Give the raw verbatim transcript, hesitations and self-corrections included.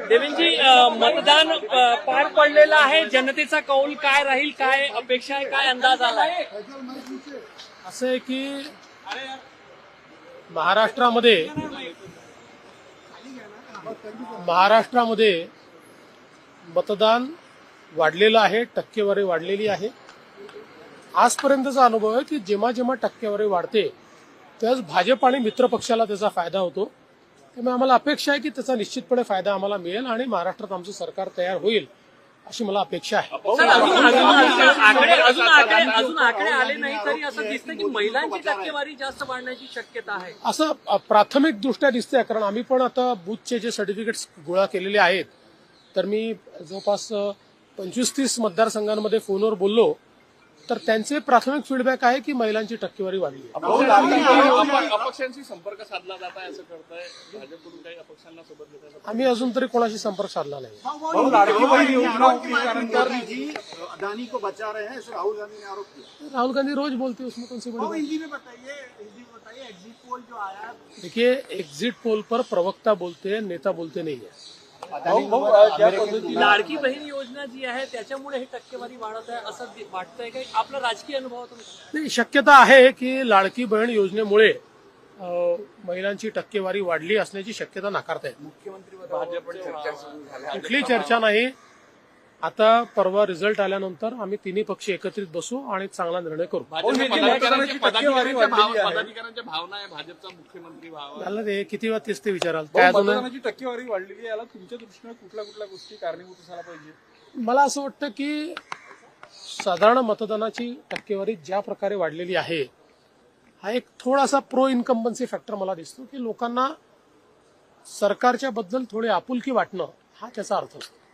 देवेंजी, मतदान अ, पार पडलेलं आहे. जनतेचा कौल काय राहील, काय अपेक्षा आहे, काय अंदाज आलाय? असं आहे की महाराष्ट्रामध्ये महाराष्ट्रामध्ये मतदान वाढलेलं आहे, टक्केवारी वाढलेली आहे. आजपर्यंतचा अनुभव आहे की जेव्हा जेव्हा टक्केवारी वाढते त्याच भाजप आणि मित्र पक्षाला त्याचा फायदा होतो. त्यामुळे आम्हाला अपेक्षा आहे की त्याचा निश्चितपणे फायदा आम्हाला मिळेल आणि महाराष्ट्रात आमचं सरकार तयार होईल अशी मला अपेक्षा आहे. सर, अजून अजून आकडे अजून आकडे अजून आकडे आले नाही तरी असं दिसतं की महिलांची टक्केवारी जास्त वाढण्याची शक्यता आहे. असं प्राथमिक दृष्ट्या दिसतंय, कारण आम्ही पण आता बूथचे जे सर्टिफिकेट्स गोळा केलेले आहेत तर मी जवळपास पंचवीस तीस मतदारसंघांमध्ये फोनवर बोललो तर त्यांचे प्राथमिक फीडबॅक आहे की महिलांची टक्केवारी वाढली आहे. अपक्षांशी संपर्क साधला जात आहे असं करताय भाजपकडून, काही अपक्षांना सोबत घेताय? आम्ही अजून तरी कोणाशी संपर्क साधला नाही. अदानी को बचा रहे हैं, ऐसे राहुल गांधी ने आरोप किया. राहुल गांधी रोज बोलते उसमें कौन सी बड़ी बात? हिंदी में बताइए, हिंदी में बताइए, एग्जिट पोल जो आया. देखिए, एग्जिट पोल पर प्रवक्ता बोलते हैं, नेता बोलते नहीं है. लाडकी बहीण योजना जी आहे त्याच्यामुळे ही टक्केवारी वाढत आहे असं वाटतंय का? आपला राजकीय अनुभवातून नाही, शक्यता आहे की लाडकी बहीण योजनेमुळे अ, महिलांची टक्केवारी वाढली असण्याची शक्यता नाकारता येत. कुठली चर्चा नाही. आता परवा रिझल्ट आल्यानंतर आम्ही तिन्ही पक्ष एकत्रित बसू आणि चांगला निर्णय करू. पदाधिकाऱ्यांच्या पदाधिकाऱ्यांच्या भावना आहे भाजपचा मुख्यमंत्री व्हावा. झालं ते किती वेळा तेच ते विचाराल. काय अजून मतदानाची टक्केवारी वाढलेली याला तुमच्या दृष्टीने कुठल्या कुठल्या गोष्टी कारणीभूत असायला पाहिजे? मला असं वाटतं की साधारण मतदानाची टक्केवारी ज्या प्रकारे वाढलेली आहे हा एक थोडासा प्रो इन्कम्बन्सी फॅक्टर मला दिसतो की लोकांना सरकारच्या बद्दल थोडी आपुलकी वाटणं हा त्याचा अर्थ असतो.